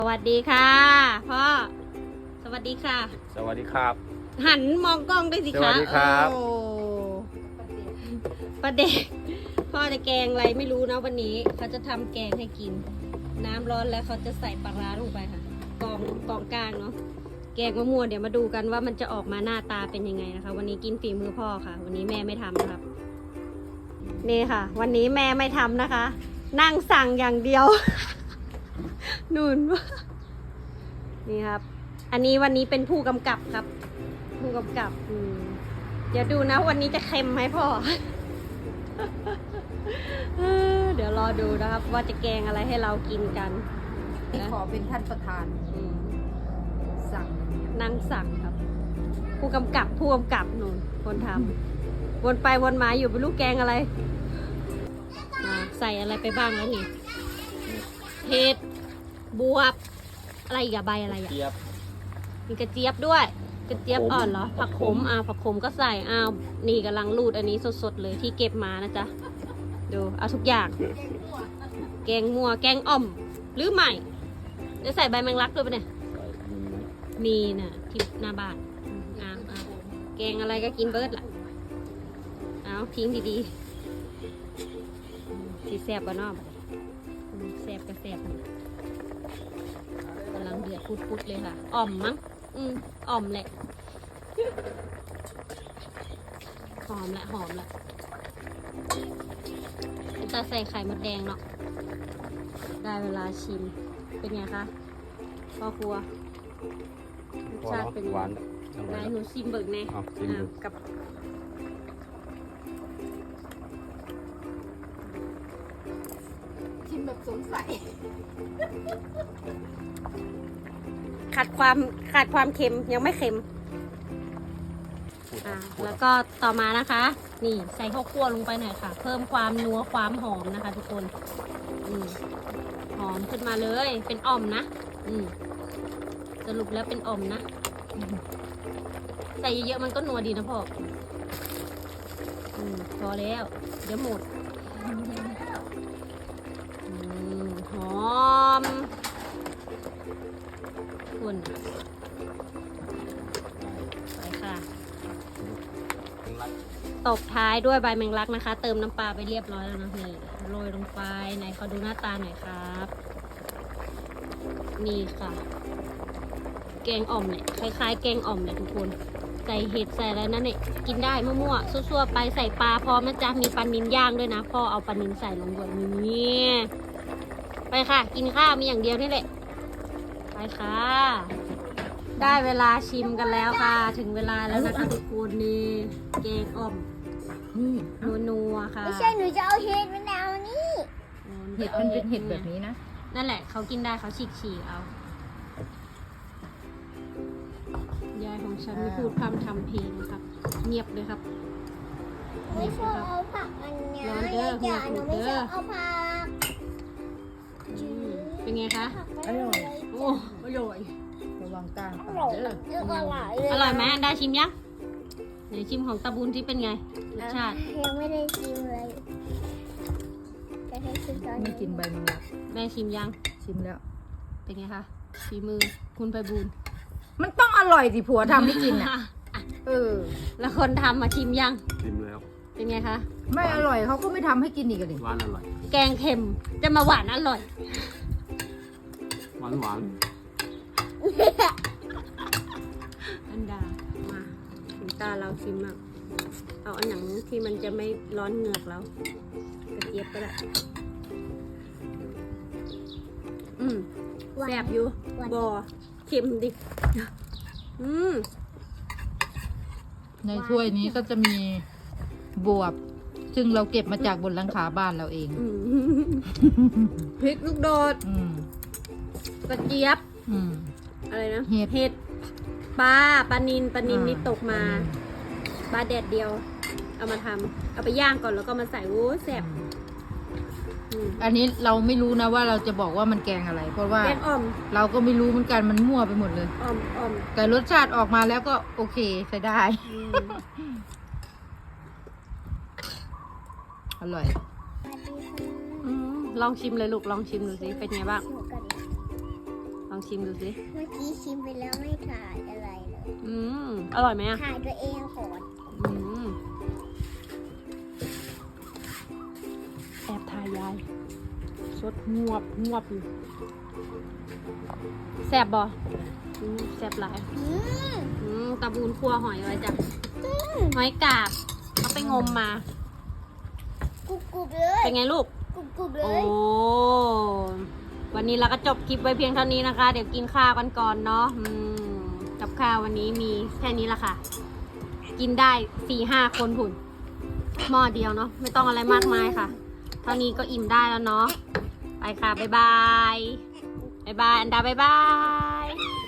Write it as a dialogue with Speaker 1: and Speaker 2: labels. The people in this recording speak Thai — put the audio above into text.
Speaker 1: สวัสดีค่ะพ่อสวัสดีค่ะ
Speaker 2: สวัสดีครับ
Speaker 1: หันมองกล้องด้วยสิคะ
Speaker 2: สวัสดีครับ
Speaker 1: โอ้ประเด็กพ่อจะแกงอะไรไม่รู้นะวันนี้เขาจะทำแกงให้กินน้ำร้อนแล้วเขาจะใส่ปลาร้าลงไปค่ะกองกลางเนาะแกงมะม่วงเดี๋ยวมาดูกันว่ามันจะออกมาหน้าตาเป็นยังไงนะคะวันนี้กินฝีมือพ่อค่ะวันนี้แม่ไม่ทำนะครับนี่ค่ะ วันนี้แม่ไม่ทำนะคะ นั่งสั่งอย่างเดียว นู่นนี่ครับ อันนี้วันนี้เป็นผู้กำกับครับ ผู้กำกับเดี๋ยวดูนะวันนี้จะเค็มไหมพ่อ เดี๋ยวรอดูนะครับ ว่าจะแกงอะไรให้เรากินกัน
Speaker 3: ขอเป็นท่านประธานสั่ง
Speaker 1: นั่งสั่งครับ ผู้กำกับนู่นคนทำวนไปวนมาอยู่เป็นลูกแกงอะไรใส่อะไรไปบ้างแล้วนี่เห็ดบวบอะไรอีกอะใบอะไรอะมีกระเจี๊ยบด้วยกระเจี๊ยบอ่อนเหรอผักขมผักขมก็ใส่นี่กำลังรูดอันนี้สดๆเลยที่เก็บมานะจ๊ะดูเอาทุกอย่างแกงมัวแกงอ่อมหรือใหม่จะใส่ใบแมงลักด้วยปะเนี่ยมีน่ะที่หน้าบ้านแกงอะไรก็กินเบิร์ดล่ะเอาทิ้งดีๆสีแซ่บก็นอกแซ่บก็แซ่บกำลังเดือดพุดๆเลยค่ะอ่อมมั้งอ่อมแหละหอมละจะใส่ไข่มดแดงเนาะได้เวลาชิมเป็นไงคะพ่อครัวรสชาติเป็นหวานไหนหนูชิมเบิกแน่กับ
Speaker 3: ชิมแบบสงสัย
Speaker 1: ขาดความเค็มยังไม่เค็มแล้วก็ต่อมานะคะนี่ใส่ข้าวคั่วลงไปหน่อยค่ะเพิ่มความนัวความหอมนะคะทุกคนหอมขึ้นมาเลยเป็นอ่อมนะสรุปแล้วเป็นอ่อมนะใส่เยอะๆมันก็นัวดีนะพ่อพอแล้วเดี๋ยวหมดหอมคุณไปค่ะตบท้ายด้วยใบแมงลักนะคะ เติมน้ำปลาไปเรียบร้อยแล้วนะนี่โรยลงไปไหนขอดูหน้าตาหน่อยครับนี่ค่ะแกงอ่อมเนี่ยคล้ายๆแกงอ่อมเลยทุกคนใส่เห็ดใส่อะไรนั่นเนี่ยกินได้มั่วๆซั่วๆไปใส่ปลาพร้อมนะจ๊ะมีปลานิลย่างด้วยนะพ่อเอาปลานิลใส่ลงด้วยนี่ไปค่ะกินข้าวมีอย่างเดียวนี่แหละไปค่ะได้เวลาชิมกันแล้วค่ะถึงเวลาแล้วนะคะทุกคนนี่แกงอ่อมนัวๆค่ะ
Speaker 4: ไม่ใช่หนูจะเอาเห็ดมะนาวนี่
Speaker 3: เห็ดมันเป็นเห็ดแบบนี้นะ
Speaker 1: นั่นแหละเขากินได้เขาฉีกเอายายของฉันไม่พูดพร่ำทำเพลงนะครับเงียบเลยครับ
Speaker 4: ไม่ชอบเอาผักอันเนี้ยอย่าหนูไม่ชอบเอาผัก
Speaker 1: เป็นไงคะ
Speaker 3: อร่อย
Speaker 1: โอ้อร่อย
Speaker 3: ระวังกลางปากเด้
Speaker 1: อร่อยไหมได้ชิมยังไหนชิมของตาบุญที่เป็นไงรสชาติ
Speaker 4: ยังไม่ได้ชิมเลยจะให้ชิมตอนนี้
Speaker 3: ไม่กินใบมันละ
Speaker 1: แม่ชิมยัง
Speaker 3: ชิมแล้ว
Speaker 1: เป็นไงคะฝีมือคุณไพบูลย์
Speaker 3: มันต้องอร่อยสิผัวทำให้กินอ่ะ
Speaker 1: แล้วคนทำมาชิมยัง
Speaker 2: ชิมแล้ว
Speaker 1: เป็นไงคะ
Speaker 3: ไม่อร่อยเขาก็ไม่ทำให้กินอีกเลย
Speaker 2: หวานอร่อย
Speaker 1: แกงเค็มจะมาหวานอร่อย
Speaker 2: หวาน
Speaker 1: อันดามาถึงตาเราชิมอ่ะเอาอันหนังที่มันจะไม่ร้อนเหงือกแล้วกระเจี๊ยบก็ได้แซ่บอยู่บอเค็มดิ
Speaker 3: ในถ้วยนี้ก็จะมีบวบซึ่งเราเก็บมาจากบนหลังคาบ้านเราเอง
Speaker 1: พริกลูกโดดกระเจี๊ยบอะไรนะเห็ดปลานินนี่ตกมาปลาแดดเดียวเอามาทำเอาไปย่างก่อนแล้วก็มาใส่โอ้แซ่บ
Speaker 3: อันนี้เราไม่รู้นะว่าเราจะบอกว่ามันแกงอะไรเพราะว่า
Speaker 1: แกงอ่อม
Speaker 3: เราก็ไม่รู้เหมือนกันมันมั่วไปหมดเลย
Speaker 1: อ่อม
Speaker 3: แต่รสชาติออกมาแล้วก็โอเคใช้ได้อร่อย
Speaker 1: ลองชิมเลยลูกลองชิมดูสิเป็นไงบ้างลองชิมดูสิ
Speaker 4: เมื่อกี้ชิมไปแล้วไม่ถ่ายอะไรเลย
Speaker 1: อร่อยไหมอ่ะ
Speaker 4: ถ่ายตัวเองก่อน
Speaker 1: แอบถ่ายยายสดงวบอยู่แซ่บบ่แซ่บหลายตะบูนคั่วหอยไว้จ้ะหอยกาบเอาไปงมมา
Speaker 4: กรุบๆเลย
Speaker 1: เป็นไงลูก
Speaker 4: กรุบๆเล
Speaker 1: โอ้
Speaker 4: ย
Speaker 1: วันนี้เราก็จบคลิปไว้เพียงเท่านี้นะคะ เดี๋ยวกินข้าวกันก่อนเนาะกับข้าววันนี้มีแค่นี้ละค่ะ กินได้ 4-5 คนผุนหม้อเดียวเนาะไม่ต้องอะไรมากมายค่ะ เท่านี้ก็อิ่มได้แล้วเนาะไปค่ะ บ๊ายบาย บ๊ายบาย อันดาบ๊ายบาย